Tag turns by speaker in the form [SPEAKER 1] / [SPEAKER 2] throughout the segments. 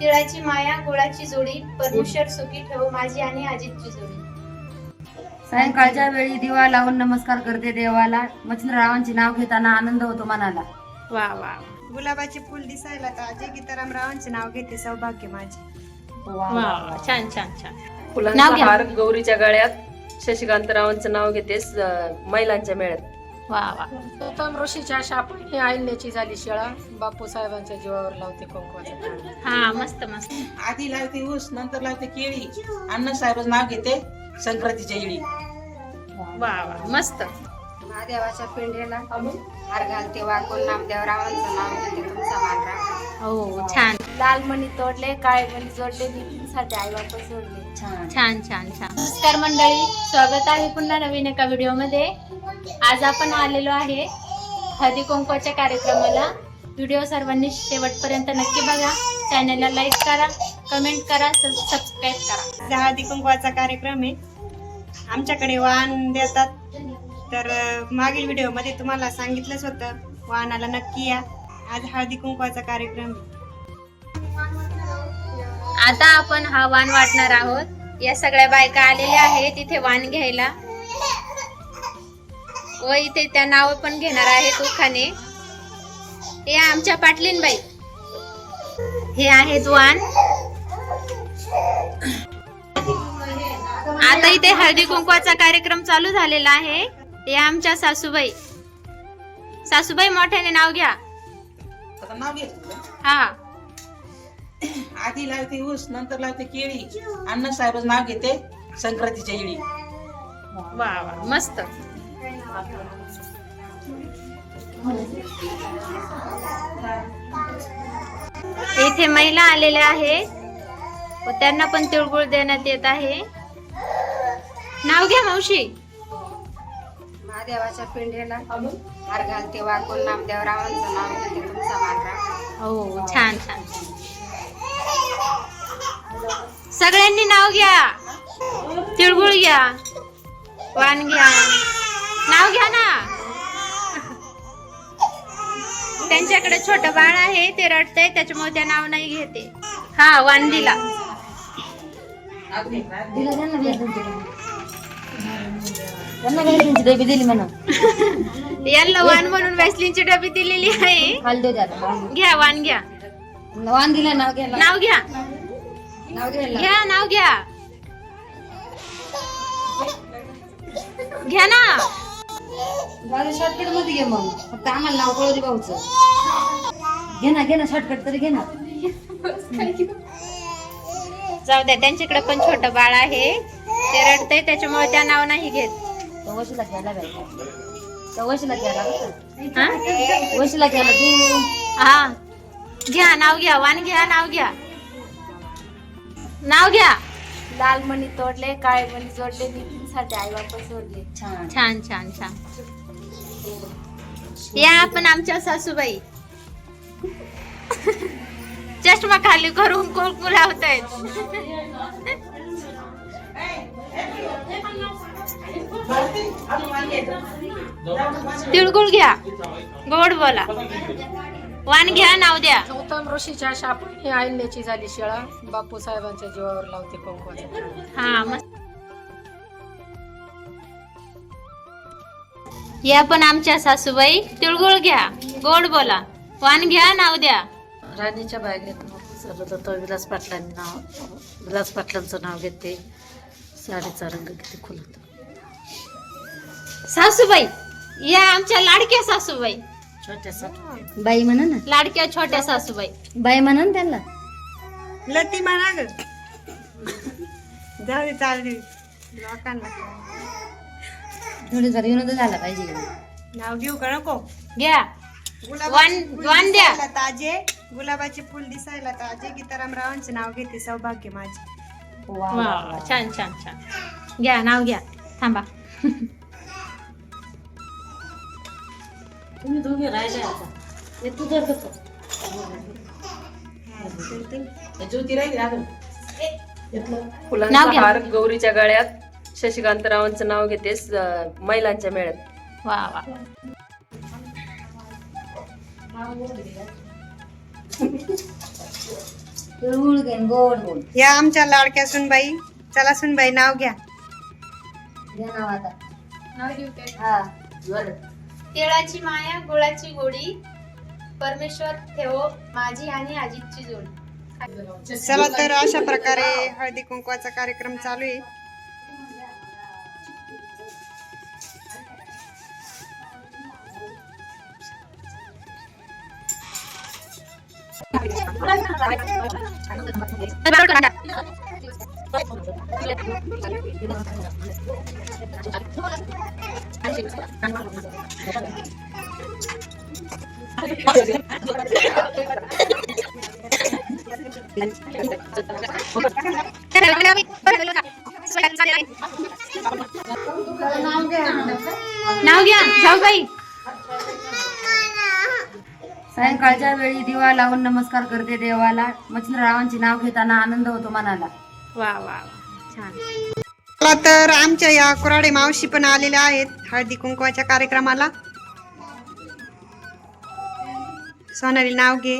[SPEAKER 1] तिळाची माया गुळाची जोडी परमेश्वर सुखी ठेवो माझी आणि अजितची जोडी.
[SPEAKER 2] सायंकाळच्या वेळी दिवा लावून नमस्कार करते देवाला. मच्छिंद्ररावांचे नाव घेताना आनंद होतो मनाला.
[SPEAKER 3] वा वा.
[SPEAKER 4] गुलाबाचे फुल दिसायला ताजे गीताराम रावांचे नाव घेते सौभाग्य माझे.
[SPEAKER 3] वा छान छान छान.
[SPEAKER 5] फुलांचा हार गौरीच्या गळ्यात शशिकांतरावांचं नाव घेते महिलांच्या मेळ्यात.
[SPEAKER 3] वा वा.
[SPEAKER 6] उत्तम ऋषीच्या शापाने आईल्याची झाली शिळा, बापू साहेबांच्या जीवावर लावते कुंकवाचा टाळा.
[SPEAKER 3] हा मस्त मस्त.
[SPEAKER 7] आधी लावते ऊस नंतर लावते केळी, अण्णासाहेब नाव घेते संक्रांतीच्या येळी.
[SPEAKER 3] वा वा मस्त.
[SPEAKER 2] महादेवाच्या पिंडीला हार घालते वाकून नामदेव रावांचं नाव घेते तुमचा मान राखा.
[SPEAKER 3] हो छान
[SPEAKER 1] लाल मणी तोडले काळे मणी जोडले नितींसाठी आई बाप सोडले.
[SPEAKER 3] छान छान छान.
[SPEAKER 1] नमस्कार मंडळी, स्वागत आहे पुन्हा नवीन एका व्हिडिओ मध्ये. आज आपण आलेलो आहे हळदी कुंकवाच्या कार्यक्रमाला. व्हिडिओ सर्वांनी शेवटपर्यंत नक्की बघा. चॅनलला लाईक करा, कमेंट करा, सबस्क्राईब करा.
[SPEAKER 4] हळदी कुंकवाचा कार्यक्रम आहे. आमच्याकडे वाण देतात. तर मागील व्हिडिओ मध्ये तुम्हाला सांगितलंच होतं, वाणाला नक्की या. आज हळदी कुंकवाचा कार्यक्रम आहे.
[SPEAKER 1] आता आपण हा वाण वाटणार आहोत. या सगळ्या बायका आलेल्या आहेत इथे वाण घ्यायला व इथे त्या नाव पण घेणार आहेत उखाणे. हे आमच्या पाटलीनबाई, हे आहेत वाण. आता इथे हळदी कुंकवाचा कार्यक्रम चालू झालेला आहे. हे आमच्या सासूबाई. सासूबाई मोठ्याने नाव घ्या.
[SPEAKER 7] आता नाव घेतलं.
[SPEAKER 1] हा.
[SPEAKER 7] आधी लावते ऊस नंतर लावते केळी, अण्णासाहेब नाव घेते संक्रांतीच्या येळी.
[SPEAKER 3] वा वा मस्त.
[SPEAKER 1] इथे महिला आलेल्या आहे व त्यांना पण तिळगुळ देण्यात येत आहे. नाव घ्या मावशी.
[SPEAKER 2] महादेवाच्या पिंडीला हार घालते वाकून नामदेव रावांचं नाव घेते तुमचा मान राखा.
[SPEAKER 3] हो छान छान.
[SPEAKER 1] सगळ्यांनी नाव घ्या, तिळगुळ घ्या, वाण घ्या, नाव घ्या ना. त्यांच्याकडे छोट बाळ आहे, ते रडतंय त्याच्यामुळे त्या नाव नाही घेते. हा वाण दिला.
[SPEAKER 2] डबी दिली म्हणा.
[SPEAKER 1] यांना वाण म्हणून वॅसलीनची डबी दिलेली आहे. घ्या वाण घ्या.
[SPEAKER 2] वाण दिला नाव घ्यायला.
[SPEAKER 1] नाव घ्या,
[SPEAKER 2] नाव घ्यायला
[SPEAKER 1] घ्या नाव घ्या, घ्या ना.
[SPEAKER 2] शॉर्टकट मध्ये घे मग. फक्त आम्हाला नाव कळू दे भाऊचं. घे ना शॉर्टकट तरी घे ना.
[SPEAKER 1] जाऊ द्या, त्यांच्याकडे पण छोट बाळ आहे, ते रडतंय त्याच्यामुळे त्या नाव नाही घेत.
[SPEAKER 2] वशीला घ्यायला पाहिजे. वशीला घ्यायला
[SPEAKER 1] हा?
[SPEAKER 2] वशीला घ्यायला तू.
[SPEAKER 1] हा घ्या, नाव घ्या, वाण घ्या, नाव घ्या, नाव घ्या. लाल मणी तोडले काळे मणी जोडले नितींसाठी आई बाप सोडले.
[SPEAKER 3] छान छान छान.
[SPEAKER 1] या आपण आमच्या सासूबाई. चष्मा खाली करून कुंकू लावतायत. तिळगुळ घ्या, गोड बोला, वाण घ्या, नाव द्या.
[SPEAKER 6] उत्तम ऋषीच्या शापाने आईल्याची झाली शिळा, बापू साहेबांच्या जीवावर लावते कुंकवाचा टाळा.
[SPEAKER 1] हा मस्त. या पण आमच्या सासूबाई. तिळगुळ घ्या, गोड बोला, वाण घ्या, नाव द्या.
[SPEAKER 8] राणीच्या बागेत विलास पाटलांनी विलास पाटलांचं नाव घेते. साडीचा रंग किती खुलत.
[SPEAKER 1] सासूबाई या आमच्या लाडक्या सासूबाई.
[SPEAKER 8] छोट्यासा
[SPEAKER 2] बाई म्हणा ना.
[SPEAKER 1] लाडक्या छोट्या सासूबाई.
[SPEAKER 2] बाई म्हणा ना त्यांना.
[SPEAKER 4] लती म्हणा ग. जाऊ दे चालू लोकांना
[SPEAKER 2] थोडी जरा विनोद झाला पाहिजे.
[SPEAKER 4] नाव घेऊ का नको.
[SPEAKER 1] घ्या, वाण द्या.
[SPEAKER 4] ताजे गुलाबाचे फुल दिसायला ताजे गीताराम रावांचे नाव घेते सौभाग्य माझे.
[SPEAKER 3] वा छान छान छान.
[SPEAKER 1] घ्या, नाव घ्या. थांबा.
[SPEAKER 8] तुम्ही दोघे राहिले आता. हे तुझं कसं
[SPEAKER 7] ज्योती राहिली अजून.
[SPEAKER 1] नाव
[SPEAKER 5] फुलांचा
[SPEAKER 1] घ्या.
[SPEAKER 5] हार गौरीच्या गळ्यात शशिकांतरावांचं नाव घेते महिलांच्या मेळ्यात.
[SPEAKER 3] वा वा.
[SPEAKER 2] तिळगुळ घेन गोड गोड
[SPEAKER 4] या आमच्या लाडक्या सुनबाई. चला सुनबाई नाव घ्या.
[SPEAKER 2] घे नाव आता.
[SPEAKER 1] नाव घेऊ काय?
[SPEAKER 2] हा बर.
[SPEAKER 1] तिळाची माया गुळाची गोडी, परमेश्वर ठेवो माझी आणि अजितची जोडी.
[SPEAKER 4] चला तर अशा प्रकारे हळदी कुंकवाचा कार्यक्रम चालू आहे.
[SPEAKER 1] नाव घ्या जाऊबाई.
[SPEAKER 2] सायंकाळच्या वेळी दिवा लावून नमस्कार करते देवाला. मच्छिंद्ररावांचे नाव घेताना आनंद होतो मनाला.
[SPEAKER 3] वा वा वा छान.
[SPEAKER 4] चला तर आमच्या या कुराडे मावशी पण आलेल्या आहेत हळदी कुंकवाच्या कार्यक्रमाला. सोनाली नाव घे.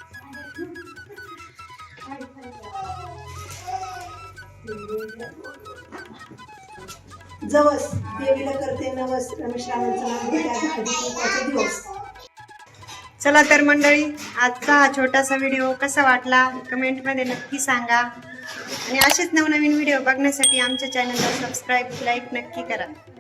[SPEAKER 9] जवस देवीला करते नवस. रमेश रावांचं नाव घेते आज हळदी कुंकवाचा दिवस.
[SPEAKER 4] चला तर मंडळी, आजचा हा छोटासा व्हिडिओ कसा वाटला कमेंटमध्ये नक्की सांगा. आणि असेच नवनवीन व्हिडिओ बघण्यासाठी आमच्या चॅनलला सबस्क्राईब लाईक नक्की करा.